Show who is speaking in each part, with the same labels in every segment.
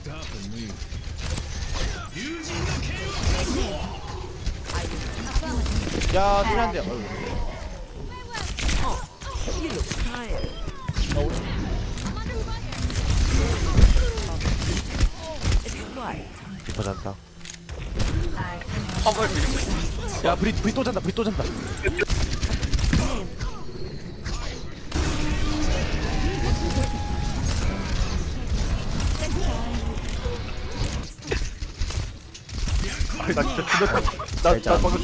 Speaker 1: 야, 소리 안 돼. 리퍼 잔다.
Speaker 2: 화물 밀고 있어.
Speaker 1: 야, 브리 또 잔다. 브리 또 잔다.
Speaker 3: 아니 나 진짜 죽였다. 나 방금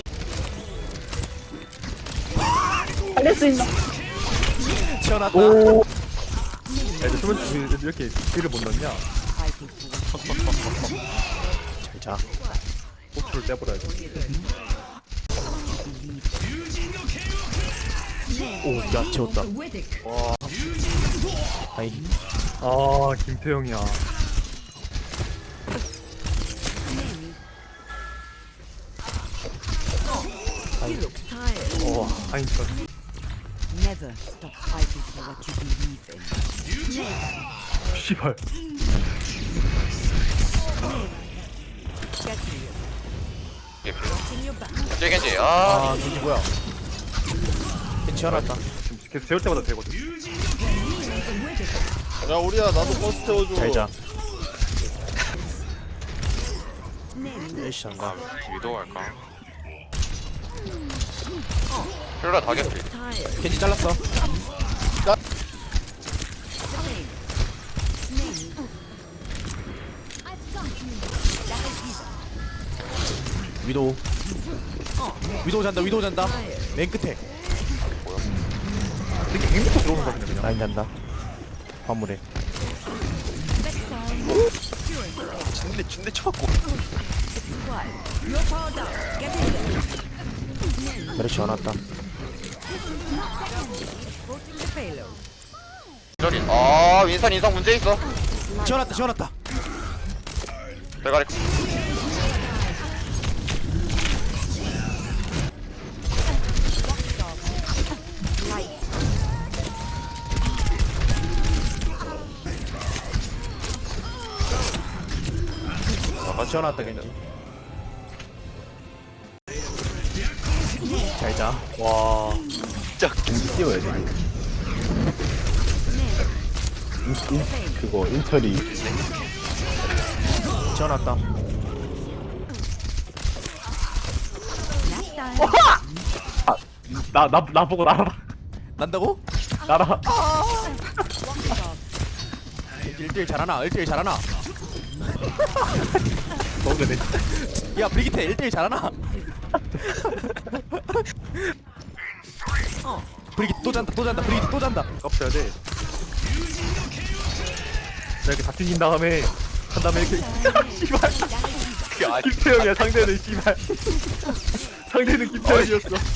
Speaker 4: 살릴 수 있나?
Speaker 1: 튀어났다.
Speaker 3: 오. 야, 근데 수면 이렇게 딜을 못 넣냐?
Speaker 1: 잘 자.
Speaker 3: 호출을 떼버려야지.
Speaker 1: 오, 야, 재웠다.
Speaker 3: 와.
Speaker 1: 아이,
Speaker 3: 아 김태형이야.
Speaker 1: 오,
Speaker 3: 아니 저
Speaker 5: Never stop fighting for what you believe in.
Speaker 3: 씨발.
Speaker 2: 겐지 겐지. 아
Speaker 1: 아, 겐지 뭐야? 겐지 튀어났다.
Speaker 3: 지금 계속 재울 때마다 되거든.
Speaker 6: 야 우리야 나도 버스 태워줘.
Speaker 1: 잘 자. 열시 잔다.
Speaker 2: 위도 할까? 힐러 다 개피.
Speaker 1: 겐지 잘랐어. 위도우. 위도우 잔다. 위도우 잔다. 맨 끝에.
Speaker 3: 되게 행복해 들어오는 거 그냥.
Speaker 1: 라인 잔다. 화물에.
Speaker 2: 진대 쳐갖고.
Speaker 1: 메르시 와놨다.
Speaker 2: 저리. 아 윈선 인성 문제 있어.
Speaker 1: 지원났다. 지원났다.
Speaker 2: 대가리.
Speaker 1: 지원났다 겐지. 잘 자.
Speaker 3: 와.
Speaker 2: 진짜.
Speaker 6: 띄워야 돼. 그거 인터리.
Speaker 1: 지원났다.
Speaker 3: 나 보고 날아라.
Speaker 1: 난다고?
Speaker 3: 날아.
Speaker 1: 1대1 잘하나? 1대1 잘하나?
Speaker 3: 먹으네.
Speaker 1: 야, 브리기테 1대1 잘하나? 브리기 또 잔다. 또 잔다. 브리기 또 잔다.
Speaker 3: 깝쳐야 돼. 자 이렇게 다 튕긴 다음에 한 다음에 이렇게 씨발.
Speaker 2: 그게 아니.
Speaker 3: 김태형이야 상대는 씨발. 상대는 김태형이었어.